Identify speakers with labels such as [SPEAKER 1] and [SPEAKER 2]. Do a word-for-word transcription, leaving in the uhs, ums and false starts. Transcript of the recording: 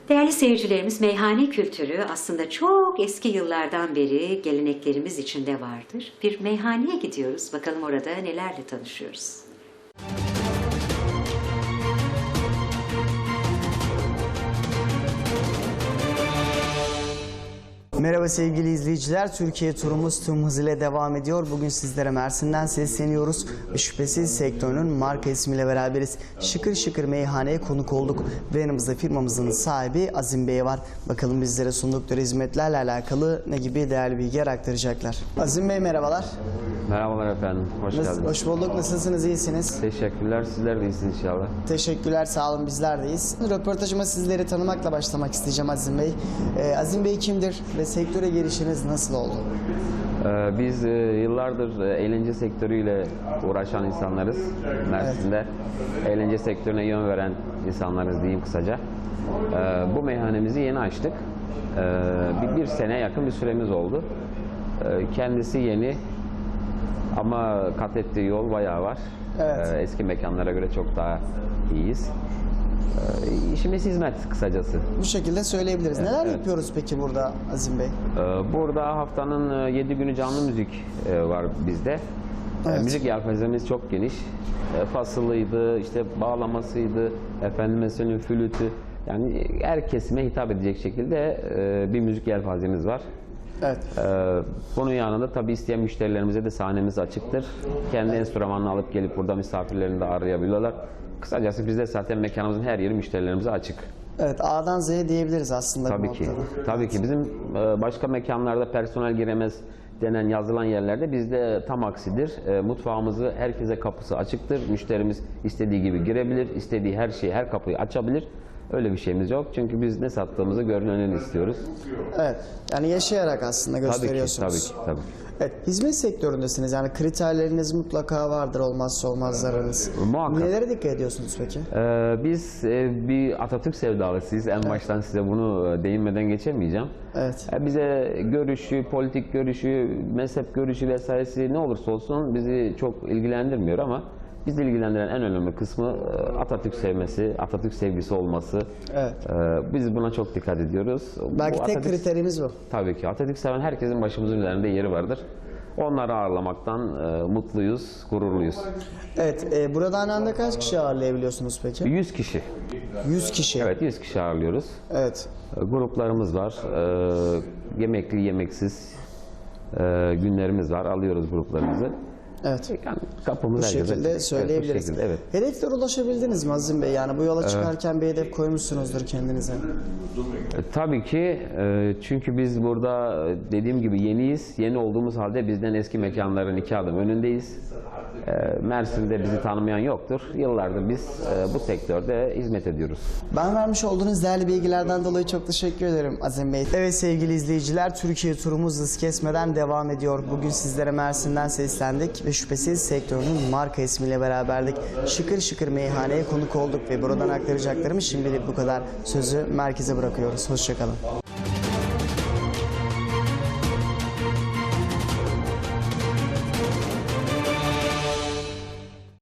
[SPEAKER 1] Değerli seyircilerimiz, meyhane kültürü aslında çok eski yıllardan beri geleneklerimiz içinde vardır. Bir meyhaneye gidiyoruz. Bakalım orada nelerle tanışıyoruz.
[SPEAKER 2] Merhaba sevgili izleyiciler, Türkiye turumuz tüm hızıyla devam ediyor. Bugün sizlere Mersin'den sesleniyoruz ve şüphesiz sektörünün marka ismiyle beraberiz. Şıkır şıkır meyhaneye konuk olduk ve yanımızda firmamızın sahibi Azim Bey var. Bakalım bizlere sundukları hizmetlerle alakalı ne gibi değerli bilgiler aktaracaklar. Azim Bey merhabalar.
[SPEAKER 3] Merhabalar efendim, hoş
[SPEAKER 2] Nasıl,
[SPEAKER 3] geldiniz.
[SPEAKER 2] hoş bulduk, nasılsınız, iyisiniz?
[SPEAKER 3] Teşekkürler, sizler de iyisiniz inşallah.
[SPEAKER 2] Teşekkürler, sağ olun, bizler deyiz. Röportajıma sizleri tanımakla başlamak isteyeceğim Azim Bey. Ee, Azim Bey kimdir ve sektöre girişiniz nasıl oldu?
[SPEAKER 3] Ee, biz e, yıllardır e, eğlence sektörüyle uğraşan insanlarız. Mersin'de eğlence sektörüne yön veren insanlarız diyeyim kısaca. Ee, bu meyhanemizi yeni açtık. Ee, bir, bir sene yakın bir süremiz oldu. Ee, kendisi yeni ama kat ettiği yol bayağı var.
[SPEAKER 2] Evet.
[SPEAKER 3] Ee, eski mekanlara göre çok daha iyiyiz. Ee, işimiz hizmet kısacası.
[SPEAKER 2] Bu şekilde söyleyebiliriz.
[SPEAKER 3] Evet,
[SPEAKER 2] Neler
[SPEAKER 3] evet.
[SPEAKER 2] yapıyoruz peki burada Azim Bey?
[SPEAKER 3] Ee, Burada haftanın yedi günü canlı müzik e, var bizde. Ee,
[SPEAKER 2] Evet.
[SPEAKER 3] Müzik yelpazemiz çok geniş. E, Fasılıydı, işte bağlamasıydı, efendime söyleyeyim flütü. Yani her kesime hitap edecek şekilde e, bir müzik yelpazemiz var.
[SPEAKER 2] Evet.
[SPEAKER 3] Ee, Bunun yanında tabii isteyen müşterilerimize de sahnemiz açıktır. Kendi enstrümanını alıp gelip burada misafirlerini de arayabiliyorlar. Kısacası bizde zaten mekanımızın her yeri müşterilerimize açık.
[SPEAKER 2] Evet, A'dan Z'ye diyebiliriz aslında.
[SPEAKER 3] Tabii
[SPEAKER 2] bu
[SPEAKER 3] ki.
[SPEAKER 2] noktada.
[SPEAKER 3] Tabii ki. Bizim e, başka mekanlarda personel giremez denen yazılan yerlerde bizde tam aksidir. E, Mutfağımızı herkese kapısı açıktır. Müşterimiz istediği gibi girebilir, istediği her şeyi, her kapıyı açabilir. Öyle bir şeyimiz yok. Çünkü biz ne sattığımızı görüneni istiyoruz.
[SPEAKER 2] Evet, yani yaşayarak aslında
[SPEAKER 3] Tabii ki,
[SPEAKER 2] gösteriyorsunuz.
[SPEAKER 3] tabii ki, tabii.
[SPEAKER 2] Evet, hizmet sektöründesiniz. Yani kriterleriniz mutlaka vardır, olmazsa olmazlarınız.
[SPEAKER 3] Muhakkak.
[SPEAKER 2] Nelere dikkat ediyorsunuz peki?
[SPEAKER 3] Ee, biz e, bir Atatürk sevdalısıyız. En baştan size bunu e, değinmeden geçemeyeceğim.
[SPEAKER 2] Evet.
[SPEAKER 3] E, bize görüşü, politik görüşü, mezhep görüşü vesairesi ne olursa olsun bizi çok ilgilendirmiyor ama bizi ilgilendiren en önemli kısmı e, Atatürk sevmesi, Atatürk sevgisi olması.
[SPEAKER 2] Evet.
[SPEAKER 3] E, biz buna çok dikkat ediyoruz.
[SPEAKER 2] Belki
[SPEAKER 3] Bu
[SPEAKER 2] tek
[SPEAKER 3] Atatürk-
[SPEAKER 2] kriterimiz bu.
[SPEAKER 3] Tabii ki. Atatürk seven herkesin başımızın üzerinde yeri vardır. Onları ağırlamaktan e, mutluyuz, gururluyuz.
[SPEAKER 2] Evet, e, burada aynı anda kaç kişi ağırlayabiliyorsunuz peki?
[SPEAKER 3] yüz kişi.
[SPEAKER 2] yüz kişi.
[SPEAKER 3] Evet, yüz kişi ağırlıyoruz.
[SPEAKER 2] Evet.
[SPEAKER 3] E, Gruplarımız var. E, yemekli, yemeksiz e, günlerimiz var. Alıyoruz gruplarımızı.
[SPEAKER 2] Evet.
[SPEAKER 3] Yani kapımız
[SPEAKER 2] Bu
[SPEAKER 3] herkese
[SPEAKER 2] şekilde
[SPEAKER 3] açık.
[SPEAKER 2] söyleyebiliriz.
[SPEAKER 3] Evet, bu şekilde, evet.
[SPEAKER 2] Hedeflere ulaşabildiniz mi Azim Bey? Yani bu yola çıkarken bir hedef koymuşsunuzdur kendinize.
[SPEAKER 3] E, tabii ki. E, çünkü biz burada e, dediğim gibi yeniyiz. Yeni olduğumuz halde bizden eski mekanların iki adım önündeyiz. E, Mersin'de bizi tanımayan yoktur. Yıllardır biz e, bu sektörde hizmet ediyoruz.
[SPEAKER 2] Ben vermiş olduğunuz değerli bilgilerden dolayı çok teşekkür ederim Azim Bey. Evet sevgili izleyiciler, Türkiye turumuz hız kesmeden devam ediyor. Bugün sizlere Mersin'den seslendik ve şüphesiz sektörünün marka ismiyle beraberdik. Şıkır şıkır meyhaneye konuk olduk ve buradan aktaracaklarımız şimdilik bu kadar. Sözü merkeze bırakıyoruz. Hoşçakalın.